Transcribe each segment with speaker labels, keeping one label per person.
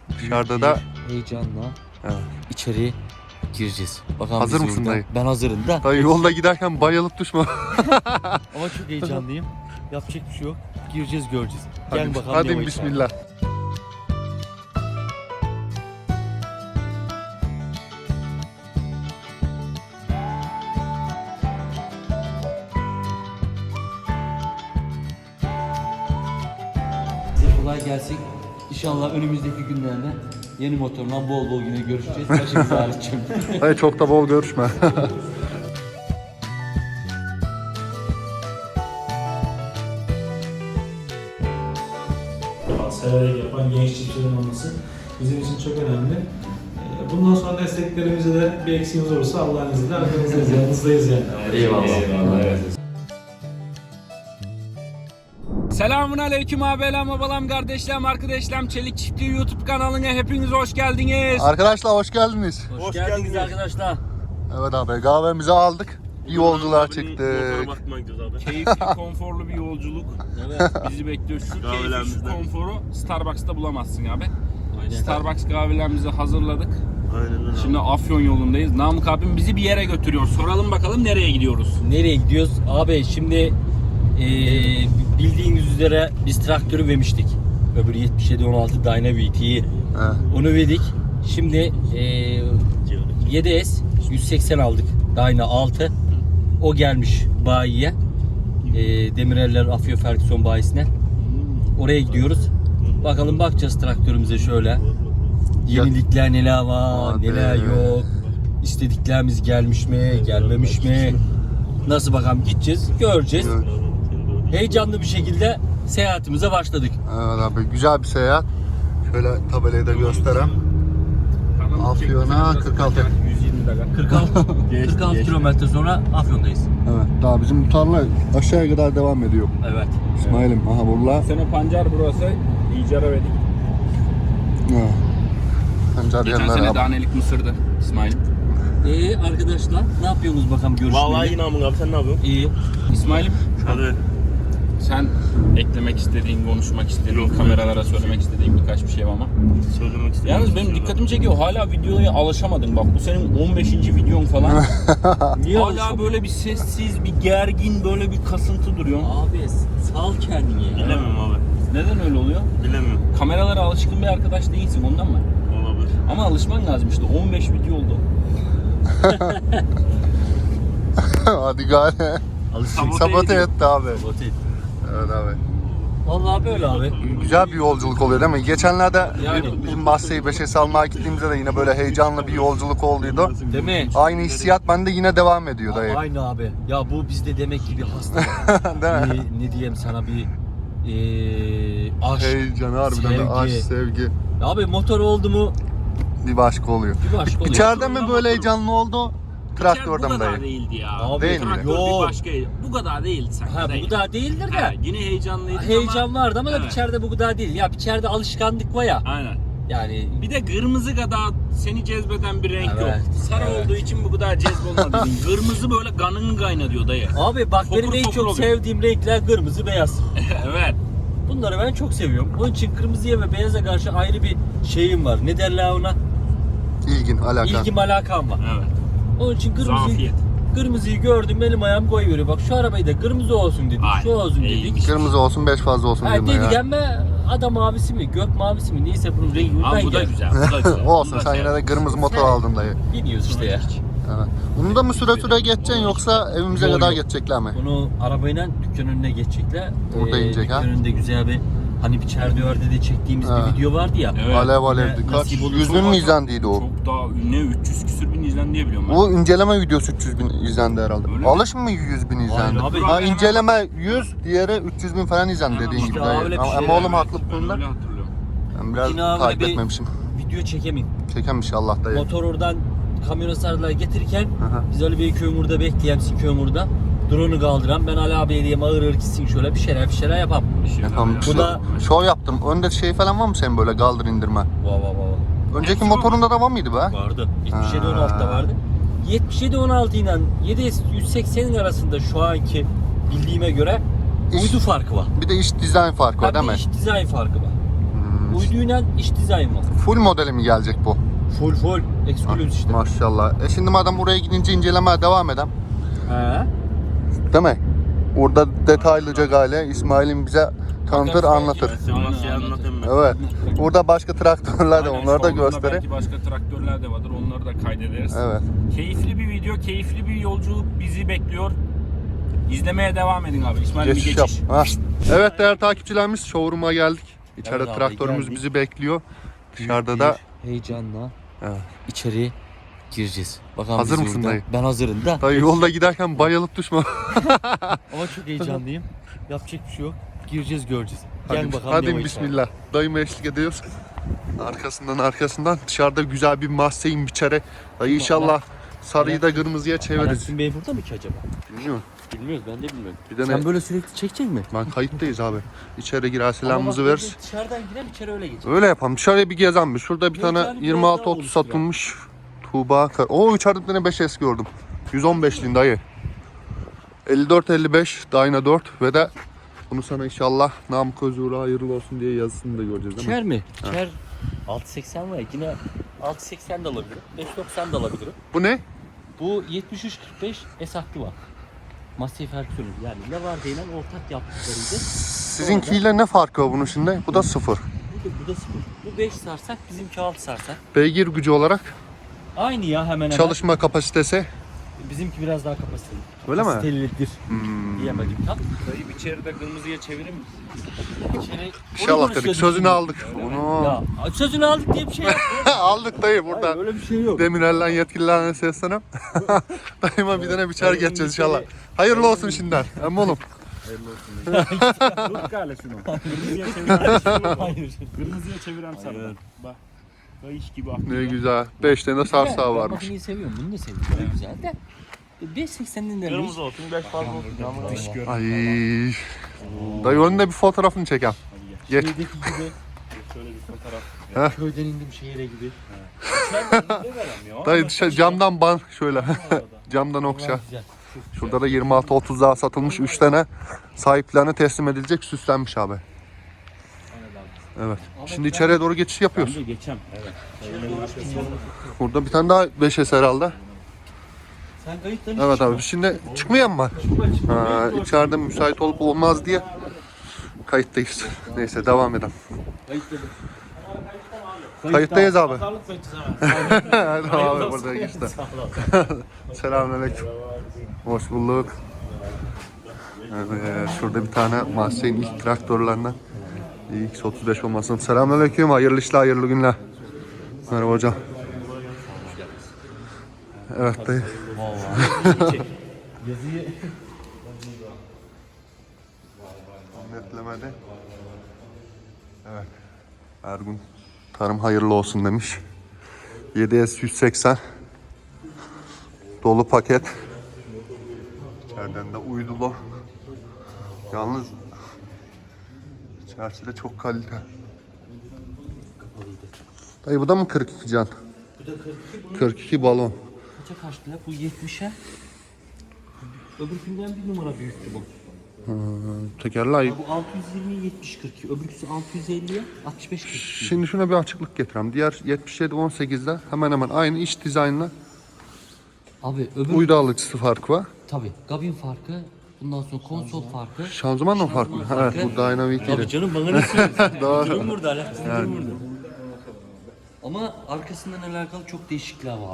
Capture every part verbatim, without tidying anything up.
Speaker 1: Dışarıda da
Speaker 2: heyecanla
Speaker 1: evet.
Speaker 2: içeri gireceğiz. Bakalım
Speaker 1: Hazır
Speaker 2: biz
Speaker 1: mısın
Speaker 2: yolda-
Speaker 1: dayı?
Speaker 2: Ben hazırım da.
Speaker 1: dayı yolda giderken bayılıp düşme.
Speaker 2: Ama çok heyecanlıyım. Yapacak bir şey yok. Gireceğiz, göreceğiz. Gel
Speaker 1: Hadi,
Speaker 2: bakalım.
Speaker 1: hadi
Speaker 2: ne var
Speaker 1: bismillah.
Speaker 2: Size kolay gelsin. İnşallah önümüzdeki günlerde yeni motorla bol bol yine görüşeceğiz. Başımız ağrıtacağım.
Speaker 1: Dayı çok da bol görüşme.
Speaker 3: Severek yapan genç çiftçilerin olması bizim için çok önemli. Ee, Bundan sonra desteklerimize de bir eksiğimiz olursa Allah'ın izniyle arkanızdayız, yanınızdayız yani.
Speaker 2: Eyvallah.
Speaker 3: Eyvallah. Evet.
Speaker 4: Selamun aleyküm abilerim, babalam, kardeşlerim, arkadaşlarım. Çelik Çiftliği YouTube kanalına hepiniz hoş geldiniz.
Speaker 1: Arkadaşlar hoş geldiniz.
Speaker 2: Hoş,
Speaker 5: Hoş
Speaker 2: geldiniz,
Speaker 5: geldiniz.
Speaker 2: arkadaşlar.
Speaker 1: Evet abi kahvemizi aldık. İyi yolculuğa
Speaker 5: Abinin
Speaker 1: çıktık.
Speaker 5: motora bakmaya gidiyoruz abi.
Speaker 4: Keyifli, konforlu bir yolculuk
Speaker 2: Evet.
Speaker 4: bizi bekliyor. Şu keyfi, şu
Speaker 5: Kahvelerimizden.
Speaker 4: konforu Starbucks'ta bulamazsın abi.
Speaker 2: Aynen.
Speaker 4: Starbucks kahvelerimizi hazırladık.
Speaker 5: Aynen öyle.
Speaker 4: Şimdi Afyon yolundayız. Namık abim bizi bir yere götürüyor. Soralım bakalım nereye gidiyoruz?
Speaker 2: Nereye gidiyoruz? Abi şimdi eee bildiğiniz üzere biz traktörü vermiştik. Öbür yetmiş yedi on altı Dyna V T'yi.
Speaker 1: He.
Speaker 2: Onu verdik. Şimdi eee yedi S yüz seksen aldık. Dyna altı. O gelmiş bayiye. Eee Demireller Afyon Ferguson bayisine. Oraya gidiyoruz. Bakalım bakacağız traktörümüze şöyle. Yenilikler neler var,
Speaker 1: Hadi.
Speaker 2: neler yok. İstediklerimiz gelmiş mi, gelmemiş mi? Nasıl bakalım gideceğiz, göreceğiz.
Speaker 1: Evet.
Speaker 2: Heyecanlı bir şekilde seyahatimize başladık.
Speaker 1: Evet abi güzel bir seyahat. Şöyle tabelayı da göstereyim. Afyon'a kırk altı.
Speaker 4: yüz yirmi dakika.
Speaker 2: kırk altı, kırk altı kilometre sonra Afyon'dayız.
Speaker 1: Evet daha bizim bu tarla aşağıya kadar devam ediyor.
Speaker 2: Evet.
Speaker 1: İsmail'im aha burada.
Speaker 4: Sene pancar burası. İcara verdik.
Speaker 1: Ha. Pancar
Speaker 4: Geçen
Speaker 1: yerler
Speaker 4: sene
Speaker 1: abi.
Speaker 4: danelik mısırdı İsmail'im.
Speaker 2: Ee arkadaşlar ne yapıyorsunuz bakalım görüşmeyi?
Speaker 5: Vallahi yine amın abi, sen ne yapıyorsun?
Speaker 2: İyi.
Speaker 4: İsmail'im
Speaker 5: Hadi.
Speaker 4: sen eklemek istediğin, konuşmak istediğin,
Speaker 5: Yok.
Speaker 4: kameralara söylemek istediğin birkaç bir şey var ama.
Speaker 5: Söylemek istedim.
Speaker 4: Yalnız benim dikkatimi çekiyor. Hala videoya alışamadın. Bak bu senin on beşinci videon falan.
Speaker 2: Niye
Speaker 4: Hala
Speaker 2: alışamıyor?
Speaker 4: böyle bir sessiz, bir gergin, böyle bir kasıntı duruyor.
Speaker 2: Abi sal kendini ya.
Speaker 5: Bilemiyorum abi.
Speaker 4: Neden öyle oluyor?
Speaker 5: Bilemiyorum.
Speaker 4: Kameralara alışkın bir arkadaş değilsin ondan mı?
Speaker 5: Olabilir.
Speaker 4: Ama alışman lazım işte. on beş video oldu.
Speaker 1: Hadi gari.
Speaker 2: Alışacak.
Speaker 1: Sabote etti abi.
Speaker 2: Sabote et.
Speaker 1: Evet abi.
Speaker 2: Vallahi böyle abi.
Speaker 1: Güzel bir yolculuk oluyor değil mi? Geçenlerde
Speaker 2: Yani.
Speaker 1: bizim Bahseyi Beşe almaya gittiğimizde de yine böyle heyecanlı bir yolculuk olduydu.
Speaker 2: Değil mi?
Speaker 1: Aynı hissiyat bende yine devam ediyor dayı.
Speaker 2: Aynı abi. Ya bu bizde demek ki bir hasta.
Speaker 1: Değil mi?
Speaker 2: bir, ne diyeyim sana bir eee aşk.
Speaker 1: Heyecan harbiden de
Speaker 2: sevgi.
Speaker 1: aşk, sevgi.
Speaker 2: Abi motor oldu mu
Speaker 1: Bir başka oluyor.
Speaker 2: bir başka oluyor.
Speaker 1: İçeride mi böyle heyecanlı oldu? Traktörde
Speaker 4: bu
Speaker 1: mi
Speaker 4: kadar
Speaker 1: dayı?
Speaker 4: değildi ya.
Speaker 2: Abi,
Speaker 1: Değil mi?
Speaker 4: Traktör
Speaker 2: Yok.
Speaker 4: bir başka. Bu kadar değildi sanki.
Speaker 2: Ha
Speaker 4: değil.
Speaker 2: bu kadar değildir
Speaker 4: Ha,
Speaker 2: de.
Speaker 4: yine heyecanlıydı
Speaker 2: Heyecan
Speaker 4: ama.
Speaker 2: vardı ama da
Speaker 4: Evet.
Speaker 2: içeride bu kadar değil. Ya içeride alışkanlık var ya.
Speaker 4: Aynen.
Speaker 2: Yani
Speaker 4: Bir de kırmızı kadar seni cezbeden bir renk
Speaker 2: Evet,
Speaker 4: yok. Sarı
Speaker 2: evet.
Speaker 4: olduğu için bu kadar cezbolmadı. Kırmızı böyle kanını kaynatıyor dayı.
Speaker 2: abi bak
Speaker 4: Fokur
Speaker 2: benim en
Speaker 4: fokur
Speaker 2: çok
Speaker 4: oluyor.
Speaker 2: sevdiğim renkler kırmızı beyaz.
Speaker 4: Evet.
Speaker 2: Bunları ben çok seviyorum. Onun için kırmızıya ve beyaza karşı ayrı bir şeyim var. Ne derler ona?
Speaker 1: İlgin, alakan.
Speaker 2: İlgim alakam var.
Speaker 4: Evet.
Speaker 2: Onun için kırmızıyı,
Speaker 4: Zafiyet.
Speaker 2: kırmızıyı gördüm benim ayağım koyuyor. Bak şu arabayı da kırmızı olsun dedik.
Speaker 4: Aynen.
Speaker 2: Şu olsun
Speaker 4: İyiymiş.
Speaker 2: dedik.
Speaker 1: Kırmızı olsun, beş fazla olsun
Speaker 2: Ha,
Speaker 1: diyorum
Speaker 2: dedik
Speaker 1: ya.
Speaker 2: ama ada mavisi mi, gök mavisi mi neyse bunun rengi
Speaker 4: Ama
Speaker 2: ben
Speaker 4: bu da
Speaker 2: geldim.
Speaker 4: güzel. Bu da güzel.
Speaker 1: Olsun
Speaker 4: Bunu da
Speaker 1: sen yine de
Speaker 4: sevdim.
Speaker 1: kırmızı motor aldın dayı.
Speaker 2: Biniyoruz işte ya.
Speaker 1: Evet. Bunu da mı süre süre geçeceksin yoksa evimize
Speaker 2: Yok,
Speaker 1: kadar
Speaker 2: yok.
Speaker 1: geçecekler mi?
Speaker 2: Bunu arabayla dükkan önüne geçecekler.
Speaker 1: Burada inecek ha?
Speaker 2: Dükkan önünde güzel bir hani bir çerdöğerde de çektiğimiz
Speaker 1: Ha.
Speaker 2: bir video vardı ya.
Speaker 4: Evet.
Speaker 1: Alev alevdi.
Speaker 2: Ne-
Speaker 1: Kaç?
Speaker 2: nasip olur.
Speaker 1: yüz bin mi izlendiydi o?
Speaker 4: Çok daha ne üç yüz küsür bin izlendi diye biliyorum ben.
Speaker 1: Bu inceleme videosu üç yüz bin izlendi herhalde.
Speaker 4: Öyle mi?
Speaker 1: Alış mı yüz bin izlendi?
Speaker 2: Aynen abi.
Speaker 1: Ha, inceleme yüz, diğeri üç yüz bin falan izlendi
Speaker 4: Hemen
Speaker 1: dediğin
Speaker 4: işte
Speaker 1: gibi.
Speaker 2: öyle
Speaker 1: dayı.
Speaker 2: bir
Speaker 1: Ama,
Speaker 2: şey
Speaker 1: ama
Speaker 2: yani.
Speaker 1: oğlum haklı bu
Speaker 4: Ben
Speaker 1: konuda.
Speaker 4: öyle hatırlıyorum.
Speaker 1: Ben biraz
Speaker 2: Yine abi
Speaker 1: takip
Speaker 2: bir-
Speaker 1: etmemişim.
Speaker 2: Video çekemeyim.
Speaker 1: Çekem inşallah dayı.
Speaker 2: Motor oradan kamyona sarılar getirirken
Speaker 1: Aha.
Speaker 2: biz Ali Bey kömürde bekleyen kömürde drone'u kaldıran ben Ali abiye diyeyim ağır ağır gitsin şöyle bir şeyler bir şeyler yapam.
Speaker 4: Bir şey
Speaker 1: Yapalım.
Speaker 4: daha
Speaker 1: Bu
Speaker 2: Bu da-
Speaker 1: Şov yaptım. Önde şey falan var mı senin böyle kaldır indirme?
Speaker 2: Vay vay vay.
Speaker 1: Önceki
Speaker 4: Hepsi var
Speaker 1: motorunda da var mıydı be?
Speaker 2: Vardı. yetmiş yedi on altıda
Speaker 1: Ha.
Speaker 2: vardı. yetmiş yedi on altı ile yedi S yüz seksenin arasında şu anki bildiğime göre
Speaker 1: İş-
Speaker 2: uydu farkı var.
Speaker 1: Bir de iç dizayn farkı var
Speaker 2: Ha,
Speaker 1: değil
Speaker 2: bir
Speaker 1: mi?
Speaker 2: iş dizayn farkı var.
Speaker 1: Hmm,
Speaker 2: Uyduyla iç dizayn var.
Speaker 1: Full modeli mi gelecek bu?
Speaker 2: Full full. Exclusive işte.
Speaker 1: Maşallah. E şimdi madem buraya gidince incelemeye devam edem.
Speaker 2: He.
Speaker 1: Değil mi? Burada detaylıca gale İsmail'in bize tanıtır,
Speaker 2: Bakarız
Speaker 1: anlatır.
Speaker 2: belki.
Speaker 5: Sen
Speaker 2: Aynen,
Speaker 5: nasıl
Speaker 2: aynen.
Speaker 5: anlatayım ben?
Speaker 1: Evet. Burada başka traktörler de
Speaker 4: Aynen,
Speaker 1: onları da
Speaker 4: solunda
Speaker 1: gösterir.
Speaker 4: Belki başka traktörler de vardır. Onları da kaydederiz.
Speaker 1: Evet.
Speaker 4: Keyifli bir video, keyifli bir yolculuk bizi bekliyor. İzlemeye devam edin abi. İsmail bir
Speaker 1: Geçiş
Speaker 4: geçiş.
Speaker 1: yap. Ha. Evet değerli takipçilerimiz, showroom'a geldik. İçeride
Speaker 2: Evet abi,
Speaker 1: traktörümüz
Speaker 2: geldik.
Speaker 1: bizi bekliyor. Dışarıda
Speaker 2: Bir
Speaker 1: da
Speaker 2: heyecanla
Speaker 1: evet.
Speaker 2: içeri gireceğiz. Bakalım
Speaker 1: Hazır
Speaker 2: biz
Speaker 1: mısın
Speaker 2: yolda-
Speaker 1: dayı?
Speaker 2: Ben hazırım da.
Speaker 1: dayı yolda giderken bayılıp düşme.
Speaker 2: Ama çok heyecanlıyım. Yapacak bir şey yok. Gireceğiz, göreceğiz.
Speaker 1: Hadi,
Speaker 2: Gel bakalım.
Speaker 1: hadi
Speaker 2: ne var
Speaker 1: bismillah. Dayıma eşlik ediyoruz. Arkasından arkasından dışarıda güzel bir Mustang biçere. Dayı inşallah sarıyı da kırmızıya
Speaker 2: içeride.
Speaker 1: çeviririz.
Speaker 2: Alaaddin Bey burada mı ki acaba?
Speaker 1: Bilmiyorum.
Speaker 2: Bilmiyoruz, ben de bilmiyorum.
Speaker 1: Bir de
Speaker 2: Sen
Speaker 1: ne?
Speaker 2: böyle sürekli çekecek mi?
Speaker 1: Ben kayıttayız abi. İçeri girer selamımızı
Speaker 2: Ama bak,
Speaker 1: veririz.
Speaker 2: Dışarıdan girer, içeri öyle geçer.
Speaker 1: Öyle yapalım. Dışarıya bir gezelim bir. Şurada bir
Speaker 2: Yok
Speaker 1: tane
Speaker 2: yani,
Speaker 1: yirmi
Speaker 2: biraz
Speaker 1: altı
Speaker 2: daha
Speaker 1: otuz
Speaker 2: oluştur
Speaker 1: satılmış. Tuğba. Kar- Oo içeride bir tane beş S gördüm. yüz on beşliğin dayı. elli dört elli beş Dyna dört ve de bunu sana inşallah Namık Özur'a hayırlı olsun diye yazısını da göreceğiz değil mi?
Speaker 2: İçer mi? İçer. altı seksen var ya, yine altı seksen de alabilirim. beş doksan da alabilirim.
Speaker 1: Bu ne?
Speaker 2: Bu yetmiş üç kırk beş S hakkı var. Massey Ferguson'un yani Lavar denilen ortak yaptıklarıydı.
Speaker 1: Sizinkiyle ne farkı var bunun şimdi? Bu da sıfır.
Speaker 2: Bu da, bu da sıfır. Bu beş sarsak, bizimki altı sarsak.
Speaker 1: Beygir gücü olarak
Speaker 2: Aynı ya hemen hemen.
Speaker 1: çalışma kapasitesi.
Speaker 2: Bizimki biraz daha kapasiteli.
Speaker 1: Öyle mi?
Speaker 2: Kapasitelidir.
Speaker 1: Hmm.
Speaker 2: Diyemedim tam.
Speaker 4: Dayı içeri de kırmızıya çevirir misin?
Speaker 2: İçeri...
Speaker 1: İnşallah dedik. Sözünü aldık. Bunu
Speaker 2: Ya sözünü aldık diye bir şey yok.
Speaker 1: aldık dayı burada.
Speaker 2: Öyle bir şey yok.
Speaker 1: Demirel'den yetkililerine seslenem. Dayıma bir tane biçer geçeceğiz inşallah. Hayırlı olsun şimdiden. Hem oğlum.
Speaker 4: Tut gale şunu. Kırmızıya çevirem.
Speaker 2: Hayır.
Speaker 4: Kırmızıya çevirem sarıdan. Bak. Kayış gibi akıyor.
Speaker 1: Ne güzel. Beş tane sarsağı
Speaker 2: Ben
Speaker 1: varmış.
Speaker 2: makineyi seviyorum. Bunu da seviyorum. Böyle güzel de. beş seksenin de
Speaker 5: Kırmızı olsun, beş fazla olsun.
Speaker 4: Dış gör.
Speaker 1: Ay. Dayı önünde bir fotoğrafını çekem. Geç.
Speaker 2: Köydeki gibi.
Speaker 4: Şöyle bir fotoğraf.
Speaker 1: Heh.
Speaker 2: Köyden indim şehire gibi.
Speaker 1: Dayı dışarı camdan ban şöyle. Camdan okşa.
Speaker 2: Güzel.
Speaker 1: Şurada da yirmi altı otuz daha satılmış üç tane sahiplerine teslim edilecek süslenmiş abi. Evet. Şimdi içeriye doğru geçiş yapıyoruz.
Speaker 4: Ben de geçem. Evet.
Speaker 1: Burada bir tane daha beş S herhalde.
Speaker 2: Sen kayıtları
Speaker 1: Evet abi şimdi çıkmayan mı? Ha, içeride müsait olup olmaz diye kayıttayız. Neyse devam edelim.
Speaker 2: Kayıtları.
Speaker 1: Kayıttayız abi.
Speaker 2: Pazarlık kayıtı sana.
Speaker 1: Hadi abi burada işte. Selamünaleyküm. Hoş bulduk. Evet, şurada bir tane Mahsen'in ilk traktörlerinden X otuz beş olmasın. Selamünaleyküm. Hayırlı işler, hayırlı günler. Merhaba hocam. Evet dayı.
Speaker 2: Yazıyı
Speaker 1: Netlemedi. Evet. Ergun tarım hayırlı olsun demiş. yedi S yüz seksen dolu paket. İçeriden de uydulu. Yalnız içerisi de çok kalite. Dayı bu da mı kırk iki can?
Speaker 2: bu da kırk iki. Bunun
Speaker 1: kırk iki balon.
Speaker 2: kaça kaçtı la? Bu yetmişe. Öbürkünden bir numara büyüktü bu.
Speaker 1: Tekerler.
Speaker 2: Ya bu altı yüz yirmi yetmiş kırk iki. Öbürküsü altı yüz elliye altmış beş kırk iki.
Speaker 1: Şimdi şuna bir açıklık getireyim. Diğer yetmiş yedi on sekizde hemen hemen aynı iç dizaynla
Speaker 2: Abi öbür
Speaker 1: uydu alıcısı farkı var.
Speaker 2: tabii gabin farkı, bundan sonra konsol farkı.
Speaker 1: Şanzıman da mı farklı?
Speaker 2: Şanzıman
Speaker 1: Evet,
Speaker 2: farkı.
Speaker 1: bu Dynamic
Speaker 2: Tabii
Speaker 1: ile.
Speaker 2: canım bana ne söylüyorsun?
Speaker 1: Doğru.
Speaker 2: Durum burada, alakası durum burada. Ama arkasından alakalı çok değişiklikler var.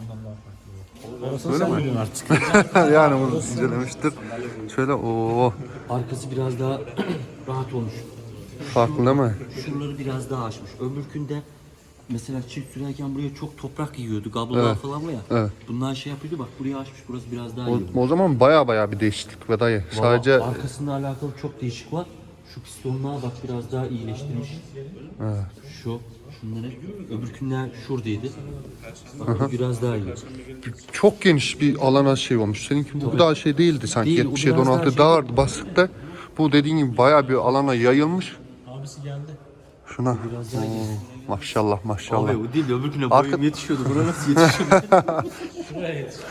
Speaker 1: Öyle mi? Yani bunu incelemiştir. Şöyle o
Speaker 2: Arkası biraz daha rahat olmuş.
Speaker 1: farklı değil mi?
Speaker 2: Şuraları biraz daha açmış. Öbürkünde mesela çift sürerken buraya çok toprak yiyordu. Kablolar
Speaker 1: Evet.
Speaker 2: falan var ya.
Speaker 1: Evet.
Speaker 2: Bunlar şey yapıyordu, bak buraya açmış, burası biraz daha
Speaker 1: O,
Speaker 2: iyi.
Speaker 1: o zaman baya baya bir değişiklik ve dayı. Sadece
Speaker 2: Valla arkasında alakalı çok değişik var. Şu pistonlar bak biraz daha iyileştirmiş.
Speaker 1: evet.
Speaker 2: Şu, şunları. Öbürkünler şuradaydı. Bak bu biraz daha iyi.
Speaker 1: Çok geniş bir alana şey olmuş. Seninki bu daha şey değildi sanki.
Speaker 2: Değil, o
Speaker 1: yetmiş yedi
Speaker 2: biraz
Speaker 1: on
Speaker 2: daha
Speaker 1: altı
Speaker 2: şey-
Speaker 1: daha vardı basıkta. Bu dediğin gibi baya bir alana yayılmış.
Speaker 3: Abisi geldi.
Speaker 1: Şuna.
Speaker 2: Biraz daha iyi.
Speaker 1: Oo, maşallah maşallah.
Speaker 2: Abi o değil de öbürküne
Speaker 1: Arka-
Speaker 2: boyum yetişiyordu. Buna nasıl yetişiyordu?
Speaker 3: Şuraya yetişti.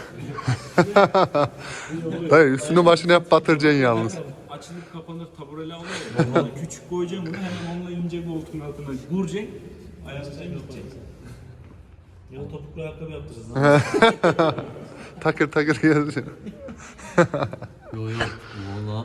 Speaker 1: Dayı üstünü başını hep batıracaksın yalnız.
Speaker 4: Açılıp kapanır tabureli alıyor ya. Küçük koyacağım bunu hemen onunla ince bu
Speaker 3: koltuğun altına vuracaksın. Ayakta gideceksin. Ya topuklu ayakkabı yaptıracağız.
Speaker 1: Takır takır geziyor.
Speaker 2: Yo yo. Valla.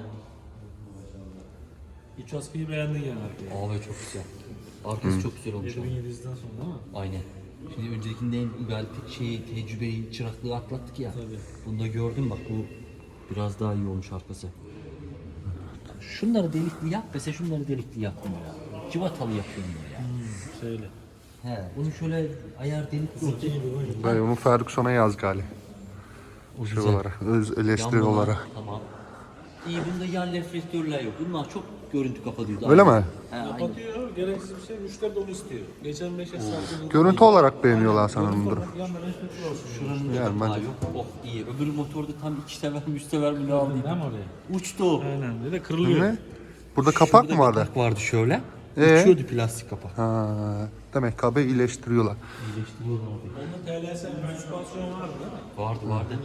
Speaker 3: İç askıyı beğendin yani arkaya.
Speaker 2: Abi çok güzel. Arkası çok güzel olmuş.
Speaker 3: yedi bin yedi yüzden sonra değil mi?
Speaker 2: Aynen. Şimdi öncekinden galiba şeyi, tecrübeyi, çıraklığı atlattık ya.
Speaker 3: Tabii.
Speaker 2: Bunu da gördüm bak, bu biraz daha iyi olmuş arkası. Şunları delikli yap, mesela şunları delikli yapma ya. Civatalı yapıyorum ya.
Speaker 3: Hmm, şöyle.
Speaker 2: He, bunu şöyle ayar delikli olacak.
Speaker 3: Zeki gibi oyun.
Speaker 1: Dayı onu Ferguson'a yaz gali.
Speaker 2: O
Speaker 1: Şey
Speaker 2: güzel.
Speaker 1: olarak, öz eleştiri
Speaker 2: Yanmalar,
Speaker 1: olarak.
Speaker 2: Tamam. İyi, bunda yan reflektörler yok. Bunlar çok görüntü kapatıyordu.
Speaker 1: Öyle
Speaker 2: Aynen.
Speaker 1: mi?
Speaker 2: He, aynen.
Speaker 3: Kapatıyor, gereksiz bir şey. Müşteri de onu istiyor. Geçen beş esnafı.
Speaker 1: Görüntü olarak beğeniyorlar sanırım bunu.
Speaker 3: Yandan reflektör olsun.
Speaker 2: Şuranın da
Speaker 1: Yani
Speaker 2: daha
Speaker 1: bence-
Speaker 2: yok. Oh iyi. Öbür motorda tam iki sever, üç sever mi ne aldıydı?
Speaker 3: Değil mi oraya?
Speaker 2: Uçtu o.
Speaker 3: Aynen. Bir de kırılıyor.
Speaker 1: Ne? Burada kapak
Speaker 2: Şurada
Speaker 1: mı vardı?
Speaker 2: Kapak vardı şöyle.
Speaker 1: Ee?
Speaker 2: Uçuyordu plastik kapak.
Speaker 1: Ha, demek ki abi iyileştiriyorlar.
Speaker 2: İyileştiriyorlar abi.
Speaker 3: Onda T L S bir süspansiyon vardı değil mi?
Speaker 2: Vardı vardı.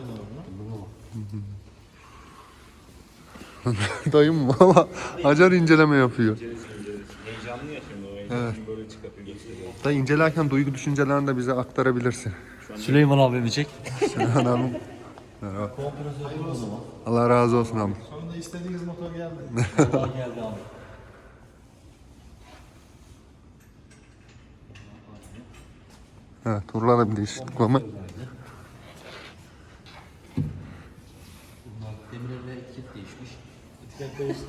Speaker 1: Dayım valla acar inceleme yapıyor.
Speaker 5: Heyecanlı ya şimdi o heyecanı böyle çıkartıyor gösteriyor.
Speaker 1: Dayı incelerken duygu düşüncelerini de bize aktarabilirsin.
Speaker 2: Süleyman abimi çek.
Speaker 1: Sinan Hanım. Merhaba. Allah razı olsun abi.
Speaker 3: Sonunda istediğiniz motor geldi.
Speaker 2: Allah geldi abi.
Speaker 1: Evet, turlara bir değişiklik var mı?
Speaker 2: Bunlar demir ve etiket değişmiş.
Speaker 3: Etiket değişti.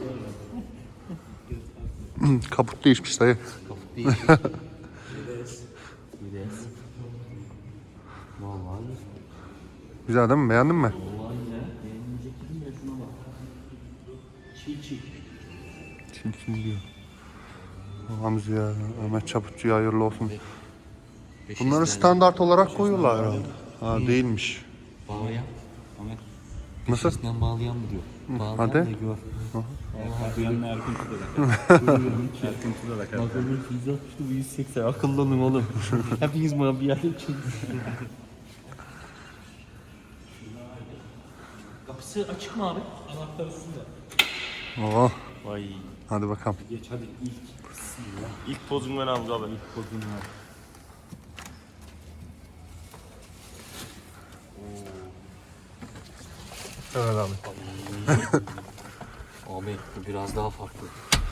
Speaker 1: Kaput değişmiş dayı.
Speaker 2: Kaput değişmiş. Vides. Vides. Vallahi iyi.
Speaker 1: Güzel değil mi? Beğendin mi?
Speaker 2: Vallahi ya. Beğenilecek dedim ya, şuna bak. Çiğ çiğ.
Speaker 1: Çin çin diyor. Hamza ya, Ahmet Çaputçu'ya hayırlı olsun.
Speaker 2: Beş
Speaker 1: Bunları
Speaker 2: ister.
Speaker 1: standart olarak koyuyorlar herhalde. Ha değilmiş.
Speaker 2: Bağlayan. Ahmet.
Speaker 1: Nasıl?
Speaker 2: Peşisinden bağlayan mı diyor? Bağlayan
Speaker 1: hadi.
Speaker 2: da gör.
Speaker 5: Yanına Erkun Tuda da. Erkun Tuda da
Speaker 2: Bak ömür yüz altmıştı, bu yüz seksen. Akıllanın oğlum. Hepiniz bana bir yerde için. Kapısı açık mı abi?
Speaker 3: Anahtar üstünde.
Speaker 1: Oo,
Speaker 5: Vay.
Speaker 1: hadi bakalım.
Speaker 2: Geç hadi ilk.
Speaker 5: İlk pozunu ben Hamza abi.
Speaker 2: Kodun var.
Speaker 1: Evet abi.
Speaker 2: Abi bu biraz daha farklı.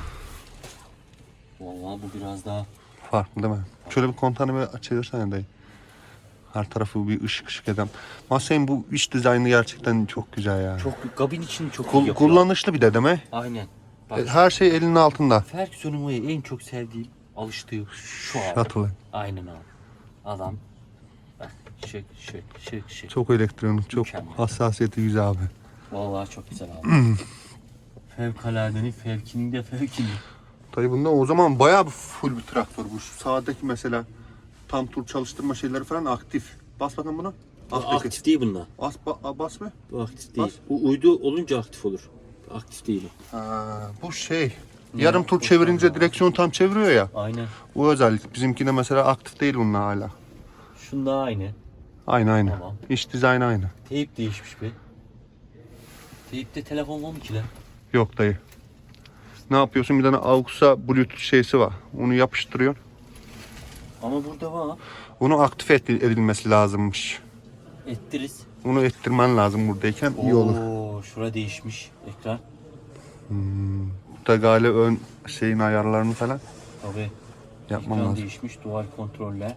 Speaker 2: Vallahi bu biraz daha.
Speaker 1: Farklı değil mi? Şöyle bir kontanı bir çevirsene dayı. Her tarafı bir ışık ışık eden. Masayın bu iç dizaynı gerçekten çok güzel ya.
Speaker 2: Çok kabin için çok iyi
Speaker 1: Kul-
Speaker 2: yapıyor.
Speaker 1: kullanışlı bir de değil mi?
Speaker 2: Aynen. Bak,
Speaker 1: Her şey elinin altında.
Speaker 2: Ferguson'un var ya, en çok sevdiğim, alıştığı şu abi.
Speaker 1: Şatılı.
Speaker 2: Aynen abi. Adam bak şık şık şık şık.
Speaker 1: Çok elektronik, çok
Speaker 2: Mükemmel.
Speaker 1: hassasiyeti güzel abi.
Speaker 2: Vallahi çok güzel abi. Fevkaladenin fevkinin de fevkinin.
Speaker 1: Dayı bunda o zaman bayağı bir full bir traktör bu. Şu sağdaki mesela tam tur çalıştırma şeyleri falan aktif. Bas bakalım buna. Alttaki.
Speaker 2: Aktif değil bunlar.
Speaker 1: Bas, ba- bas mı?
Speaker 2: Bu aktif değil. Bu uydu olunca aktif olur. Aktif değil o.
Speaker 1: Ha, bu şey. Yarım tur çevirince direksiyonu tam çeviriyor ya.
Speaker 2: Aynen.
Speaker 1: Bu özellik. Bizimkinde mesela aktif değil bununla hala.
Speaker 2: Şunda aynı.
Speaker 1: Aynı aynı.
Speaker 2: Tamam.
Speaker 1: İç dizaynı aynı.
Speaker 2: Teyip değişmiş be. Teyipte telefon var mı ki lan?
Speaker 1: Yok dayı. Ne yapıyorsun? Bir tane AUX'a Bluetooth şeysi var. Onu yapıştırıyorsun.
Speaker 2: Ama burada var.
Speaker 1: Bunu aktif et- edilmesi lazımmış.
Speaker 2: Ettiriz.
Speaker 1: Bunu ettirmen lazım buradayken iyi olur.
Speaker 2: Oo, şura değişmiş ekran.
Speaker 1: Bu da galiba ön şeyin ayarlarını falan
Speaker 2: Tabii.
Speaker 1: yapmam
Speaker 2: Ekran
Speaker 1: lazım.
Speaker 2: değişmiş, dual kontroller.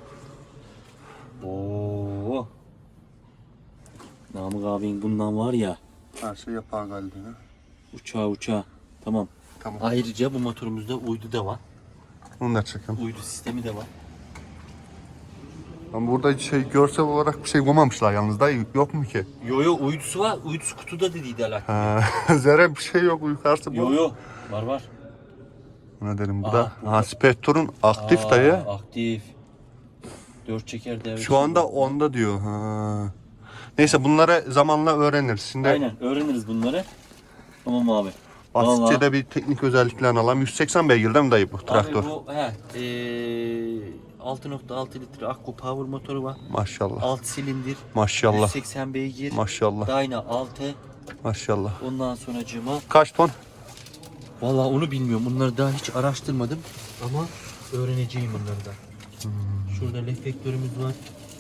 Speaker 2: Oo. Namık abinin bundan var ya,
Speaker 1: Her şey yapar galiba.
Speaker 2: uçağı uçağı. Tamam.
Speaker 1: Tamam.
Speaker 2: Ayrıca bu motorumuzda uydu da var.
Speaker 1: Onu da çekelim.
Speaker 2: Uydu sistemi de var.
Speaker 1: Ama burada şey görsel olarak bir şey koymamışlar yalnız da yok mu ki?
Speaker 2: Yo yo, uydusu var. Uydusu kutuda dediydi Alaaddin.
Speaker 1: Ha, zerre bir şey yok yukarısı bu.
Speaker 2: Yo yo. Var var.
Speaker 1: Ne dedim bu
Speaker 2: Aha,
Speaker 1: da?
Speaker 2: burada.
Speaker 1: Ha, Spectre'un aktif
Speaker 2: Aa,
Speaker 1: dayı.
Speaker 2: Aktif. Dört çeker devre.
Speaker 1: Şu anda onda diyor. Ha. Neyse bunları zamanla öğreniriz. Şimdi
Speaker 2: Aynen, öğreniriz bunları. Tamam abi.
Speaker 1: basitçe
Speaker 2: Vallahi.
Speaker 1: de bir teknik özelliklerini alalım. yüz seksen beygir değil mi dayı bu traktör?
Speaker 2: Abi bu he, ee, altı nokta altı litre Akku Power motoru var.
Speaker 1: Maşallah.
Speaker 2: alt silindir.
Speaker 1: Maşallah.
Speaker 2: yüz seksen beygir.
Speaker 1: Maşallah.
Speaker 2: Dyna altı.
Speaker 1: Maşallah.
Speaker 2: Ondan sonracığıma
Speaker 1: Kaç ton?
Speaker 2: Vallahi onu bilmiyorum. Bunları daha hiç araştırmadım ama öğreneceğim bunları da. Şurada reflektörümüz var.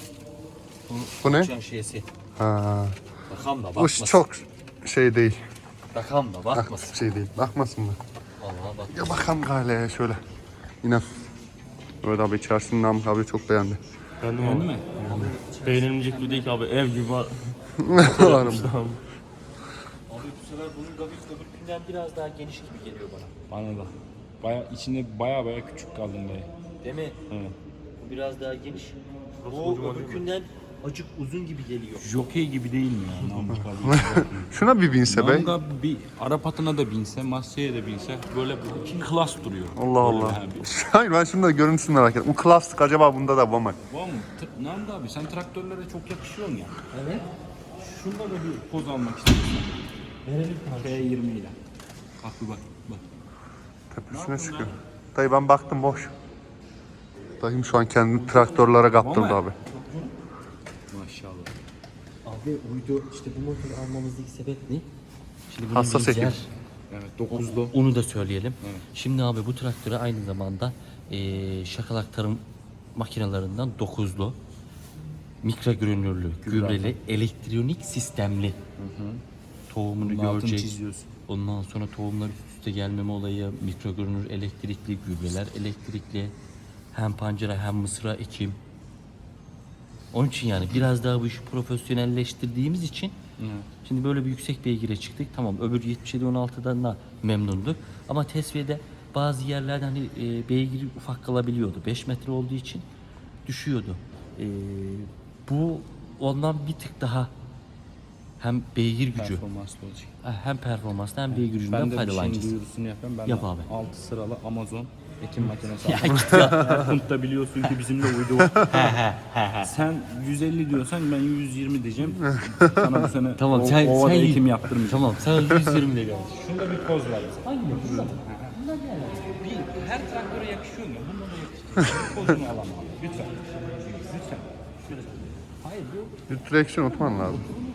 Speaker 1: Bu ne?
Speaker 2: Uçan şeysi.
Speaker 1: Ha.
Speaker 2: Bakam da
Speaker 1: Bu
Speaker 2: bakmasın.
Speaker 1: çok şey değil.
Speaker 2: Bakam da
Speaker 1: Bak,
Speaker 2: bakmasın.
Speaker 1: şey değil. Bakmasın mı?
Speaker 2: Vallahi bak.
Speaker 1: Ya bakalım gale şöyle. İnan. Evet abi içerisinde Namık abi çok beğendi.
Speaker 5: Beğendin mi? Beğenilmeyecek gibi değil ki abi. Ev gibi var.
Speaker 1: Varım.
Speaker 2: Abi bu sefer bunun gavik öbürkünden biraz daha geniş gibi geliyor bana.
Speaker 5: Bana da. Baya, içinde baya baya küçük kaldım dayı.
Speaker 2: Değil mi?
Speaker 5: Evet.
Speaker 2: Bu biraz daha geniş. Bu öbürkünden acık uzun gibi geliyor.
Speaker 5: Jockey gibi değil mi ya? Namık abi.
Speaker 1: Şuna bir binse be.
Speaker 5: Namık abi bir Arap atına da binse, Masya'ya da binse böyle bir klas duruyor.
Speaker 1: Allah
Speaker 5: Böyle
Speaker 1: Allah.
Speaker 5: bir-
Speaker 1: Hayır ben şunu da görüntüsünü merak ettim. Bu klastik acaba bunda da var mı?
Speaker 5: Var mı? T- Namık abi sen traktörlere çok yakışıyorsun ya. Evet. Şunda da bir poz almak istiyorsan.
Speaker 2: Verelim
Speaker 5: T yirmi ile. Bak bir bak. Bak.
Speaker 1: Tepesine çıkıyor. Dayı ben baktım boş. Dayım şu an kendini traktörlere kaptırdı
Speaker 5: Vallahi.
Speaker 1: abi.
Speaker 5: Maşallah.
Speaker 2: Abi uydu işte bu motoru almamızdaki sebep ne? Şimdi bunun
Speaker 1: Hassas
Speaker 2: bir
Speaker 1: ekim.
Speaker 2: yer-
Speaker 5: Evet dokuzlu.
Speaker 2: Onu da söyleyelim.
Speaker 5: Evet.
Speaker 2: Şimdi abi bu traktöre aynı zamanda eee şakalak tarım makinelerinden dokuzlu, mikro görünürlü, gübreli, elektronik sistemli. Tohumunu
Speaker 5: Bunun altını
Speaker 2: görecek.
Speaker 5: çiziyorsun.
Speaker 2: Ondan sonra tohumlar üst üste gelmeme olayı, mikro görünür elektrikli, gübreler elektrikli. Hem pancara hem mısıra ekim. Onun için yani biraz daha bu işi profesyonelleştirdiğimiz için şimdi böyle bir yüksek beygire çıktık. Tamam öbür yetmiş yedi on altıdan da memnunduk. Ama tesviyede bazı yerlerde hani e, beygiri ufak kalabiliyordu. beş metre olduğu için düşüyordu. E, bu ondan bir tık daha hem beygir gücü
Speaker 5: Performanslı olacak.
Speaker 2: hem performanstan hem beygir gücünden
Speaker 5: Ben de bir şeyin
Speaker 2: faydalanacağız.
Speaker 5: duyurusunu yapayım. Ben
Speaker 2: Yap
Speaker 5: de
Speaker 2: abi.
Speaker 5: altı sıralı Amazon ekim makinesi
Speaker 2: Ya
Speaker 5: aldım.
Speaker 2: git ya.
Speaker 5: Erkunt'ta biliyorsun ki bizimle uydu. Sen yüz elli diyorsan ben yüz yirmi diyeceğim. Sana bu sene
Speaker 2: Tamam
Speaker 5: o-
Speaker 2: sen
Speaker 5: ovada
Speaker 2: sen
Speaker 5: ekim yaptırmayacağım.
Speaker 2: Tamam sen yüz yirmi de gel.
Speaker 5: Şunda bir poz var.
Speaker 2: Hangi bunlar?
Speaker 5: Bir, her traktöre yakışıyor mu? Bunda da yakışıyor. Bir pozunu alamam. Lütfen. Lütfen. Hayır bu
Speaker 1: Bir direksiyon oturman lazım.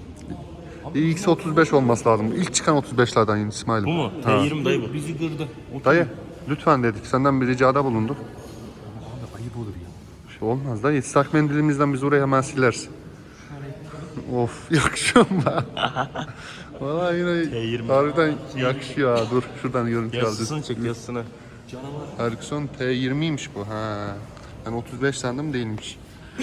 Speaker 1: i x otuz beş olması lazım. İlk çıkan otuz beşlerden yine İsmail'im.
Speaker 5: bu mu? T yirmi dayı bu. Bizi gırdı. Otur.
Speaker 1: Dayı lütfen dedik. Senden bir ricada bulunduk.
Speaker 2: Ayıp olur ya.
Speaker 1: Bir şey olmaz dayı. Islak mendilimizden biz oraya hemen sileriz. Of yakışıyor mu be? Valla yine
Speaker 5: yirmi.
Speaker 1: harbiden yakışıyor ha. Dur şuradan görüntü alacağız.
Speaker 5: Yazısını çek yazısını.
Speaker 1: Ferguson T yirmiymiş bu ha. Ben otuz beş sandım değilmiş.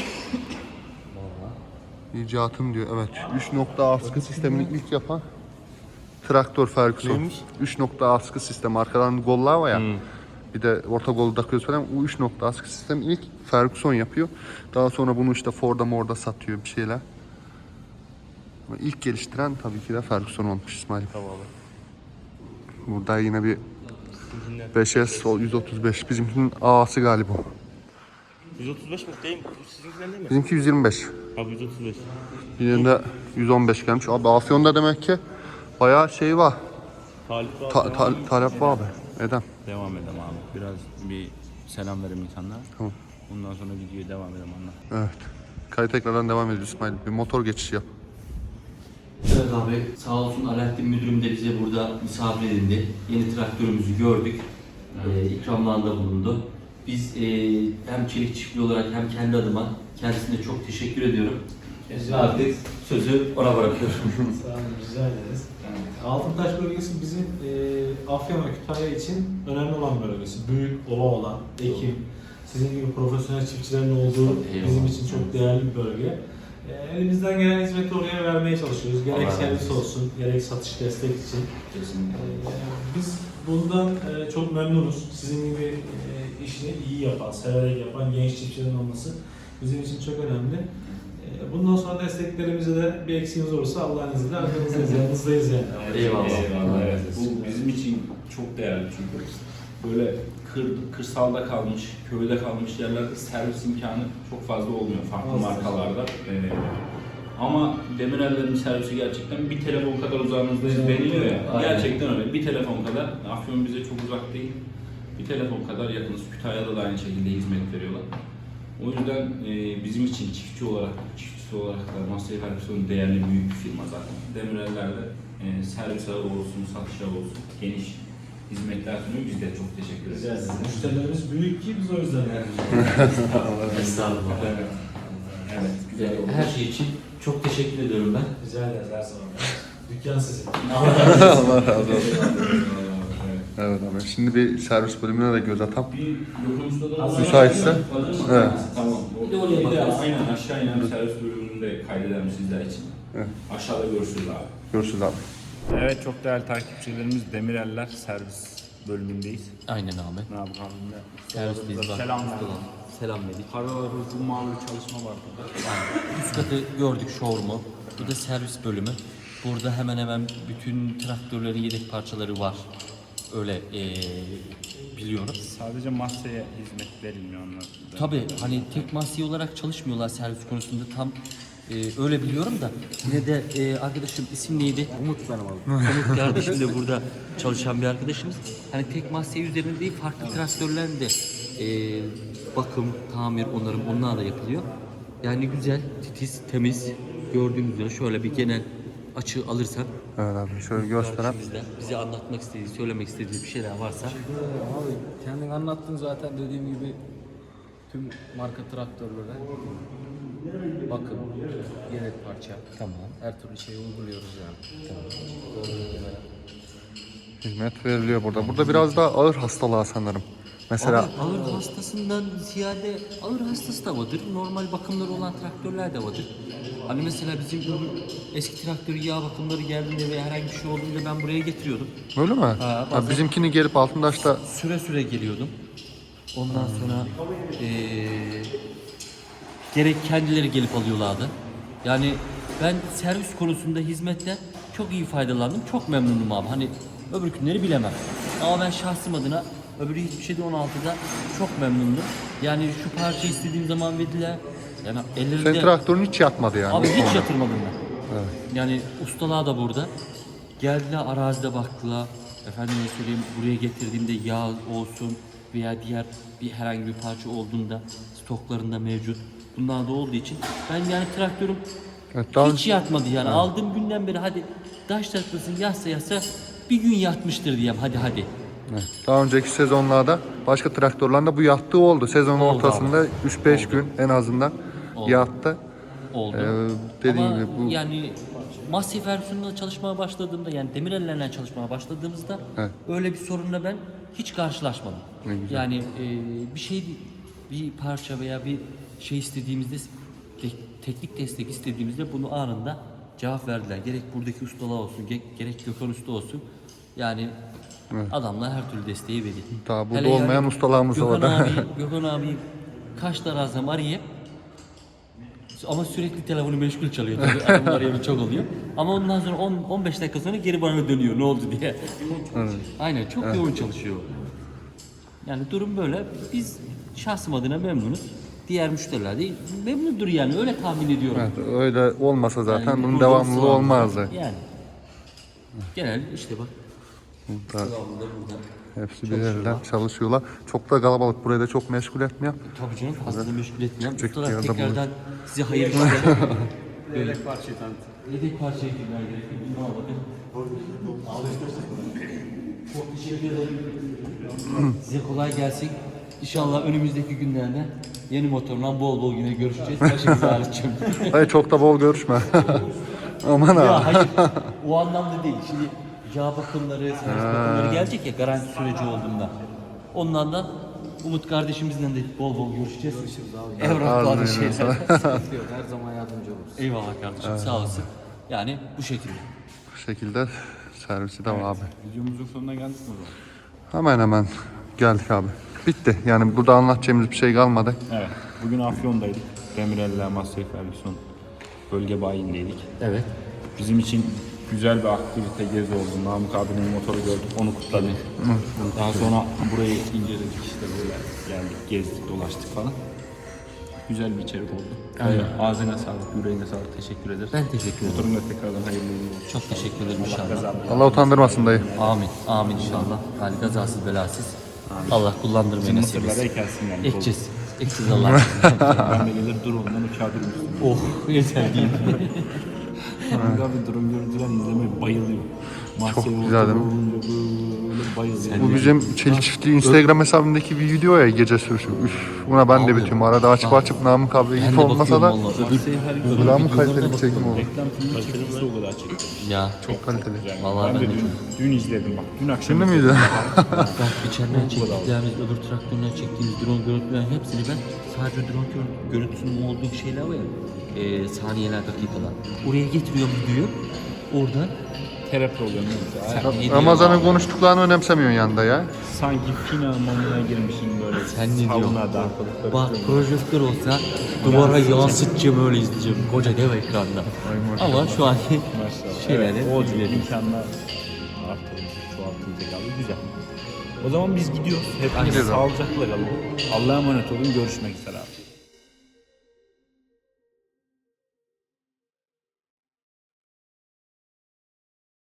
Speaker 1: İcatım diyor evet. üç nokta askı sistemini ilk yapan traktör Ferguson. üç nokta askı sistemi. Arkadan gollar var ya. Bir de orta golu takıyoruz falan. O üç nokta askı sistemi ilk Ferguson yapıyor. Daha sonra bunu işte Ford'a morda satıyor bir şeyler. Ama ilk geliştiren tabii ki de Ferguson olmuş İsmail.
Speaker 5: Tamam.
Speaker 1: Burada yine bir beş S yüz otuz beş. Bizimkinin A'sı galiba.
Speaker 5: yüz otuz beş mi? Değil mi? Sizinkinden değil mi?
Speaker 1: Bizimki yüz yirmi beş.
Speaker 5: Abi yüz otuz beş.
Speaker 1: Yine de yüz on beş gelmiş. Abi Afyon'da demek ki bayağı şey var.
Speaker 5: Talip abi.
Speaker 1: Ta-
Speaker 5: devam
Speaker 1: ta-
Speaker 5: edelim.
Speaker 1: talep var abi. Edem.
Speaker 5: Devam edelim abi. Biraz bir selam verelim insanlara.
Speaker 1: Tamam.
Speaker 5: Ondan sonra videoya devam edelim anla.
Speaker 1: Evet. Kayıt tekrardan devam ediyoruz İsmail. Bir motor geçişi yap.
Speaker 2: Evet abi sağ olsun Alaaddin müdürüm de bize burada misafir edildi. Yeni traktörümüzü gördük. Ee, ikramlarında bulundu. Biz e, hem Çelik Çiftliği olarak hem kendi adıma kendisine çok teşekkür ediyorum. Ve artık sözü ona bırakıyorum.
Speaker 3: Sağ olun, rica ederiz. Altıntaş bölgesi bizim e, Afyon ve Kütahya için önemli olan bölgesi. Büyük, ova olan, ekim, sizin gibi profesyonel çiftçilerin olduğu
Speaker 2: Eyvallah.
Speaker 3: bizim için çok değerli bir bölge. E, elimizden gelen hizmeti oraya vermeye çalışıyoruz. Gerek
Speaker 2: Allah razı
Speaker 3: servis
Speaker 2: olsun.
Speaker 3: olsun, gerek satış destek için.
Speaker 2: Kesinlikle.
Speaker 3: E, biz bundan e, çok memnunuz. Sizin gibi e, işini iyi yapan, severek yapan genç çiftçilerin olması bizim için çok önemli. E, Bundan sonra desteklerimize de bir eksiğimiz olursa Allah'ın izniyle arkanızdayız, yanınızdayız yani.
Speaker 2: Eyvallah.
Speaker 5: Eyvallah. Evet. Bu bizim için çok değerli çünkü böyle kır, kırsalda kalmış, köyde kalmış yerlerde servis imkanı çok fazla olmuyor farklı
Speaker 3: Fazla.
Speaker 5: markalarda. Ee, ama Demirel'lerin servisi gerçekten bir telefon kadar uzağınızdayız deniliyor ya.
Speaker 2: Aynen.
Speaker 5: Gerçekten öyle. Bir telefon kadar. Afyon bize çok uzak değil. Bir telefon kadar yakınız. Kütahya'da da aynı şekilde hizmet veriyorlar. O yüzden e, bizim için çiftçi olarak, çiftçisi olarak da Massey Ferguson değerli büyük bir firma zaten. Demirel'lerde e, servis ağı olsun, satış ağı olsun, geniş hizmetler sunuyor. Biz de çok teşekkür ederiz.
Speaker 3: Rica ederim. Müşterilerimiz büyük ki biz o yüzden yani.
Speaker 2: Estağfurullah.
Speaker 5: Evet. Evet, güzel oldu.
Speaker 2: Her şey için çok teşekkür ediyorum ben.
Speaker 3: Rica ederiz her zaman. Dükkan sizin.
Speaker 1: Allah razı olsun.
Speaker 5: Evet.
Speaker 1: Evet abi. Şimdi bir servis bölümüne de göz atalım.
Speaker 5: Bir Gökhan Usta'da
Speaker 1: Müsaitse. Evet.
Speaker 5: Tamam.
Speaker 2: Bir de oraya
Speaker 5: Bir de
Speaker 2: bakarız.
Speaker 5: aynen aşağı inen servis bölümünü de kaydedelim sizler için.
Speaker 1: Evet.
Speaker 5: Aşağıda görüşürüz abi.
Speaker 1: Görüşürüz abi.
Speaker 6: Evet, çok değerli takipçilerimiz, Demireller servis bölümündeyiz.
Speaker 2: Aynen abi.
Speaker 6: Ne yapalım abimle?
Speaker 2: Servisdeyiz bak.
Speaker 6: Selam
Speaker 2: Ustalar.
Speaker 6: verdik.
Speaker 2: Selam verdik.
Speaker 6: Para hızlı mavi bir çalışma var burada.
Speaker 2: Yani üst katı gördük showroom'u. Bu da servis bölümü. Burada hemen hemen bütün traktörlerin yedek parçaları var. Öyle eee biliyorum.
Speaker 6: Sadece masaya hizmet verilmiyor onlar.
Speaker 2: Tabii hani tek mahsiye olarak çalışmıyorlar servis konusunda tam e, öyle biliyorum da yine de e, arkadaşım isim neydi? Umut benim abi. Umut kardeşim de burada çalışan bir arkadaşımız. Hani tek mahsiye üzerinde değil farklı traktörlerin de e, bakım, tamir, onarım onlar da yapılıyor. Yani güzel, titiz, temiz gördüğünüz üzere şöyle bir genel açı alırsak
Speaker 1: Evet abi şöyle göstereyim.
Speaker 2: karşımızda bize anlatmak istediği, söylemek istediği bir şeyler varsa
Speaker 7: Abi kendin anlattın zaten dediğim gibi tüm marka traktörlere bakım, yedek parça,
Speaker 2: tamam.
Speaker 7: her türlü şeyi uyguluyoruz yani.
Speaker 1: Hizmet veriliyor burada. Burada biraz daha ağır hastalığa sanırım. Mesela
Speaker 2: Abi, ağır hastasından ziyade ağır hastası da vardır. Normal bakımları olan traktörler de vardır. Hani mesela bizim öbür eski traktörü yağ bakımları geldiğinde veya herhangi bir şey olduğunda ben buraya getiriyordum.
Speaker 1: öyle mi?
Speaker 2: Ha,
Speaker 1: Ha, bizimkini gelip Altındaş'ta
Speaker 2: Süre süre geliyordum. Ondan sonra eee, gerek kendileri gelip alıyorlardı. Yani ben servis konusunda hizmetten çok iyi faydalandım. Çok memnunum abi. Hani öbür günleri bilemem. Ama ben şahsım adına öbürü hiçbir şeyde on altıda çok memnundum. Yani şu parçayı istediğim zaman verdiler. Yani ellerinde...
Speaker 1: senin traktörün hiç yatmadı yani.
Speaker 2: Abi
Speaker 1: bu
Speaker 2: hiç
Speaker 1: konuda.
Speaker 2: yatırmadım ben. Yani ustalar da burada. Geldiler arazide baktılar. Efendime söyleyeyim buraya getirdiğimde yağ olsun veya diğer bir herhangi bir parça olduğunda stoklarında mevcut. Bunlar da olduğu için ben yani traktörüm
Speaker 1: Evet, daha
Speaker 2: hiç
Speaker 1: önce-
Speaker 2: yatmadı yani. Aldığım günden beri hadi taş taklasın yatsa yatsa bir gün yatmıştır diyeyim hadi hadi.
Speaker 1: Evet. Daha önceki sezonlarda başka traktörlerde bu yattığı oldu. Sezonun
Speaker 2: Oldu
Speaker 1: ortasında üç beş
Speaker 2: Oldu.
Speaker 1: gün en azından
Speaker 2: Oldu.
Speaker 1: yattı.
Speaker 2: Oldu.
Speaker 1: Ee, dediğim
Speaker 2: Ama
Speaker 1: gibi bu-
Speaker 2: yani Massey versiyonunda çalışmaya başladığımda yani Demirel'lerle çalışmaya başladığımızda
Speaker 1: Evet.
Speaker 2: öyle bir sorunla ben hiç karşılaşmadım.
Speaker 1: Ne güzel.
Speaker 2: Yani e, bir şey bir parça veya bir şey istediğimizde te- teknik destek istediğimizde bunu anında cevap verdiler. Gerek buradaki ustalar olsun, ge- gerek Gökhan Usta olsun. Yani adamlar her türlü desteği veriyor.
Speaker 1: Daha burada
Speaker 2: Hele
Speaker 1: olmayan ustalarımız da
Speaker 2: Gökhan
Speaker 1: var.
Speaker 2: abi, Gökhan abi kaç tane arazam arayıp ama sürekli telefonu meşgul çalıyor tabii. Adamın arayanı çok oluyor. Ama ondan sonra on on beş dakika sonra geri bana dönüyor ne oldu diye. Aynen çok yoğun çalışıyor. Yani durum böyle. Biz şahsım adına memnunuz. Diğer müşteriler de memnundur yani öyle tahmin ediyorum.
Speaker 1: Evet, öyle olmasa zaten
Speaker 2: Yani
Speaker 1: bunun
Speaker 2: burada
Speaker 1: devamlılığı
Speaker 2: ısrar-
Speaker 1: olmazdı.
Speaker 2: Yani. Genel işte bak.
Speaker 1: Burada
Speaker 2: Devamlı da burada.
Speaker 1: hepsi bir elden çalışıyorlar. Çok da kalabalık. Burayı da çok meşgul etmiyor.
Speaker 2: Tabii canım fazla da meşgul etmeyen.
Speaker 1: Küçük
Speaker 2: Ustalar
Speaker 1: bir yerde
Speaker 2: tekrardan size hayırlı işler.
Speaker 6: Yedek parçayı tanıt.
Speaker 2: Yedek parçaya girmem gerekiyor. Bunu alalım. Çok teşekkür ederim. Size kolay gelsin. İnşallah önümüzdeki günlerde yeni motorla bol bol yine görüşeceğiz. Başınızı ağrıtacağım.
Speaker 1: Hayır çok da bol görüşme. Aman
Speaker 2: Ya
Speaker 1: abi.
Speaker 2: hayır. O anlamda değil. Şimdi yağ bakımları, servis bakımları gelecek ya garanti süreci olduğunda. Ondan da Umut kardeşimizle de bol bol görüşeceğiz. Evraklar
Speaker 1: Ağzına
Speaker 2: şeyler.
Speaker 7: Sıkıntı yok, her zaman yardımcı oluruz.
Speaker 2: Eyvallah kardeşim sağ olasın. Yani bu şekilde.
Speaker 1: Bu şekilde servisi de var abi.
Speaker 6: Videomuzun sonuna geldik mi o zaman?
Speaker 1: Hemen hemen geldik abi. Bitti. Yani burada anlatacağımız bir şey kalmadı.
Speaker 6: Evet. Bugün Afyon'daydık. Demireller Master Ferguson bölge bayindeydik.
Speaker 2: Evet.
Speaker 6: Bizim için güzel bir aktivite gezi oldu. Namık abinin motoru gördük, onu kutladık. Daha sonra burayı inceledik işte böyle geldik, gezdik, dolaştık falan. Güzel bir içerik oldu.
Speaker 2: Aynen.
Speaker 6: Ağzına sağlık, yüreğine sağlık. Teşekkür ederiz.
Speaker 2: Ben teşekkür ederim.
Speaker 6: Motorun da tekrardan hayırlı uğurlu olsun.
Speaker 2: Çok teşekkür ederim inşallah.
Speaker 1: Allah utandırmasın dayı.
Speaker 2: Amin. Amin inşallah. Yani kazasız belasız. Allah kullandırmayı nasip
Speaker 6: Mısırlara
Speaker 2: etsin.
Speaker 6: ekersin yani.
Speaker 2: Ekeceğiz. Ekeceğiz Allah'ım.
Speaker 6: Ben de gelir dur ondan uçağa durmuştum.
Speaker 2: Oh yeter değil.
Speaker 6: Namık abi durum görüntüler izlemeye bayılıyor.
Speaker 1: Çok güzel değil mi?
Speaker 6: Böyle bayılıyor.
Speaker 1: Bu bizim Çelik Çiftliği Instagram hesabındaki bir video ya, gece sürüşü. Üf, buna ben de bitiyorum. Arada açıp açıp Namık abi
Speaker 2: Ben
Speaker 1: ip
Speaker 2: de
Speaker 1: olmasa da
Speaker 2: bakıyorum vallahi.
Speaker 1: bu daha mı kaliteli bir çekim oldu?
Speaker 6: Reklam filmi çekilse o kadar çekti.
Speaker 2: Ya
Speaker 1: Çok kaliteli.
Speaker 6: Yani
Speaker 2: Vallahi
Speaker 6: ben de
Speaker 2: ben de
Speaker 6: dün, dün izledim bak. Dün akşam
Speaker 1: Şimdi
Speaker 6: izledim.
Speaker 1: miydi?
Speaker 2: bak içeriden çektiklerimiz, öbür traktörden çektiğimiz drone görüntülerin hepsini ben sadece drone gör- görüntüsünün olduğu şeyler var ya, e, saniyeler, dakikalar. Oraya getiriyorum videoyu. Oradan
Speaker 6: Terapi oluyor. neyse.
Speaker 2: sen ne diyorsun
Speaker 1: Ramazan'ın
Speaker 2: abi?
Speaker 1: konuştuklarını önemsemiyorsun yanında ya.
Speaker 6: Sanki final monuna girmişim böyle.
Speaker 2: Sen ne diyorsun?
Speaker 6: Saunada.
Speaker 2: Bak projektör olsa duvara yansıtacağım, öyle izleyeceğim. Koca dev ekranda. Ama şu anki
Speaker 6: Maşallah.
Speaker 2: şeyleri
Speaker 6: Evet, olacak
Speaker 2: izledim.
Speaker 6: imkanlar artırılacak, çoğaltılacak abi. Güzel. O zaman biz gidiyoruz. Hepiniz
Speaker 1: Gidiyoruz abi.
Speaker 6: sağlıcakla kalın. Allah'a emanet olun. Görüşmek üzere abi.